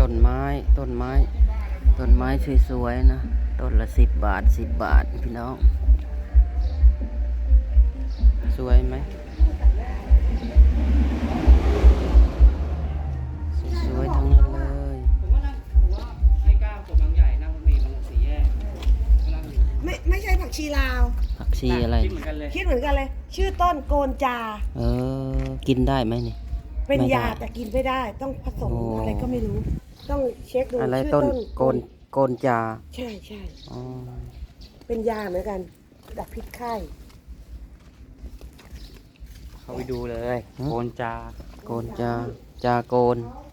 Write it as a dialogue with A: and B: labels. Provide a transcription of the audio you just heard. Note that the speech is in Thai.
A: ต้นไม้ต้นไม้ต้นไม้สวยๆนะต้นละ10 บาท10 บาทพี่น้องสวยไหมสวยๆทั้งนั้นเลย
B: ผมว่าให้ก้าวตัวบางใหญ่นั่งรถเมล์มาลงสี่แยกกำลังอยู่
C: ไม่ใช่ผักชีลาว
A: ผักชีอะไร
B: คิดเหมือนกันเลย
C: คิดเหมือนกันเลย ชื่อต้นโกนจา
A: กินได้ไหมนี่
C: เป็น
A: ไม่ได้
C: ยาแต่กินไม่ได้ ต้องผสม
A: โอ้
C: อะไรก็ไม่รู้ ต้องเช็คดู
A: อะไร
C: ชื่อ
A: ต้น
C: ต้น
A: โกนจา
C: ใช่ใช่
A: อ๋อ
C: เป็นยาเหมือนกันดับพิษไข้
B: เข้าไปดูเลย โกนจา
A: โกนจาโกน